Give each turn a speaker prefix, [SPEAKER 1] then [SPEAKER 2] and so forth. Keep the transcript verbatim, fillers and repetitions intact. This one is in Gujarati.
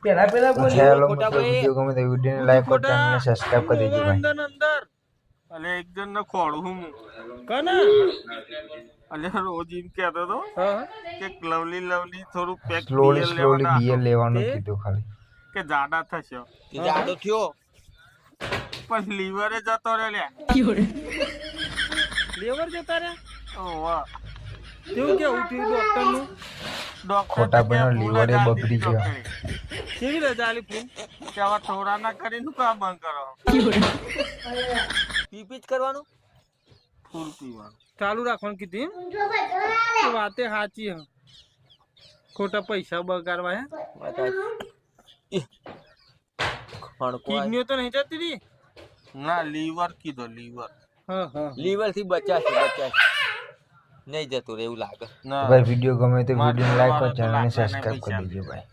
[SPEAKER 1] પેલા પેલા બોલ
[SPEAKER 2] હેલો મિત્રો વિડિયો ગમે તો વિડિયોને લાઈક કરો ચેનલને સબસ્ક્રાઇબ કરી દેજો ભાઈ
[SPEAKER 3] અંદર અંદર અલે એક જણ ને ખોડું હું
[SPEAKER 1] કને
[SPEAKER 3] અલે રોજ એમ કહેતો તો કે લવલી લવલી થોડું પેક
[SPEAKER 2] સ્લોલી સ્લોલી
[SPEAKER 3] લેવાના
[SPEAKER 2] બિયર લેવાનું કીધું ખાલી
[SPEAKER 3] કે જાડા થશે
[SPEAKER 4] જાડો થયો
[SPEAKER 3] પણ લીવરે જતો રે લે
[SPEAKER 1] લેવર જતા રે
[SPEAKER 3] ઓ વાહ
[SPEAKER 1] કેવું કેવું થયું ડોક્ટર નું
[SPEAKER 3] ડોક્ટર
[SPEAKER 2] ખોટા બનો લીવરે બગડી ગયો
[SPEAKER 1] કેવી રજા આલી ફૂલ
[SPEAKER 3] કે આવા થોડા ના કરીને કામ બંધ કરો
[SPEAKER 4] પીપી જ કરવાનું
[SPEAKER 3] ફૂલ પીવાનું
[SPEAKER 1] ચાલુ રાખવાનું કીધી તો વાતે સાચી હ ખોટા પૈસા બગાડવા હે કિડનીઓ તો નહીં જતી રહી
[SPEAKER 3] ના લીવર કીધો લીવર
[SPEAKER 1] હા હા
[SPEAKER 4] લીવર થી બચાશે બચાશે નહીં જતું રે એવું લાગે
[SPEAKER 3] ના
[SPEAKER 2] ભાઈ વિડિયો ગમે તો
[SPEAKER 3] મારે
[SPEAKER 2] વિડિયોને લાઈક કરો
[SPEAKER 3] મારે તો
[SPEAKER 2] ચેનલને
[SPEAKER 3] લાકડા
[SPEAKER 2] સબસ્ક્રાઇબ
[SPEAKER 3] નહીં
[SPEAKER 2] કરી દેજો ભાઈ